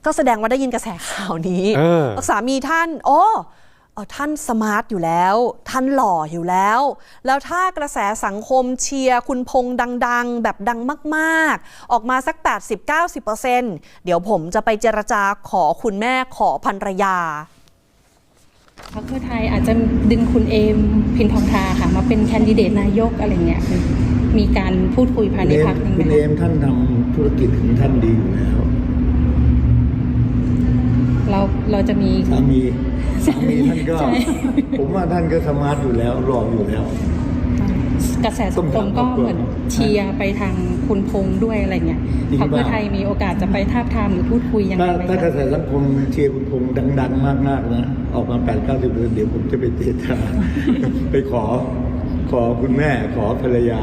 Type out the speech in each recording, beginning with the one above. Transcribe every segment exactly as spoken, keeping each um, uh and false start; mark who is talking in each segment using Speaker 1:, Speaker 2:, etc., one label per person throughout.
Speaker 1: ก็แสดงว่าได้ยินกระแสข่าวนี้สามีท่านโอ้ท่านสมาร์ทอยู่แล้วท่านหล่ออยู่แล้วแล้วถ้ากระแสสังคมเชียร์คุณพงษ์ดังๆแบบดังมากๆออกมาสัก แปดสิบถึงเก้าสิบเปอร์เซ็นต์ เดี๋ยวผมจะไปเจรจาขอคุณแม่ขอภรรยา
Speaker 2: พรรคเพื่อไทยอาจจะดึงคุณเอมพินทองทาค่ะมาเป็นแคนดิเดตนายกอะไรเงี้ยคือมีการพูดคุยภายในพรรค
Speaker 3: คุณเอมท่านทำธุรกิจของท่านดีอยู่แล้ว
Speaker 2: เราเราจะมี
Speaker 3: สามีสามีท่านก็ผมว่าท่านก็สมาร์ทอยู่แล้วรออยู่แล้ว
Speaker 2: กระแสสังคมก็เหมือนเชียร์ไปทางคุณพงษ์ด้วยอะไรเงี้ยพรรคเพื่อไทยมีโอกาสจะไปทาบทามหรือพูดคุยยังไงไหม
Speaker 3: ถ้ากระแสสังคมเชียร์คุณพงษ์ดังๆมากๆนะออกมา แปดถึงเก้าสิบเปอร์เซ็นต์ เดี๋ยวผมจะไปเจรจาไปขอขอคุณแม่ขอภรรยา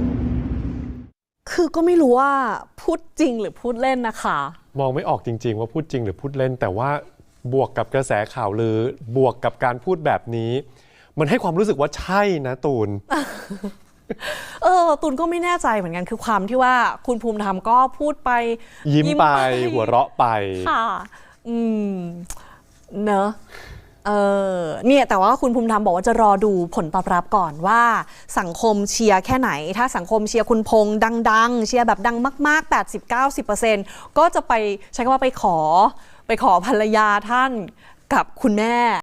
Speaker 1: คือก็ไม่รู้ว่าพูดจริงหรือพูดเล่นนะคะ
Speaker 4: มองไม่ออกจริงๆว่าพูดจริงหรือพูดเล่นแต่ว่าบวกกับกระแสข่าวลือบวกกับการพูดแบบนี้มันให้ความรู้สึกว่าใช่นะตูน
Speaker 1: เออตูนก็ไม่แน่ใจเหมือนกันคือความที่ว่าคุณภูมิธรรมก็พูดไป
Speaker 4: ยิ้มไปหัวเราะไป
Speaker 1: ค่ะอืมเนอะเออเนี่ยแต่ว่าคุณภูมิธรรมบอกว่าจะรอดูผลตอบรับก่อนว่าสังคมเชียร์แค่ไหนถ้าสังคมเชียร์คุณพงษ์ดังๆเชียร์แบบดังมากๆ แปดสิบถึงเก้าสิบเปอร์เซ็นต์ ก็จะไปใช้คำว่าไปขอไปขอภรรยาท่านกับคุณแม่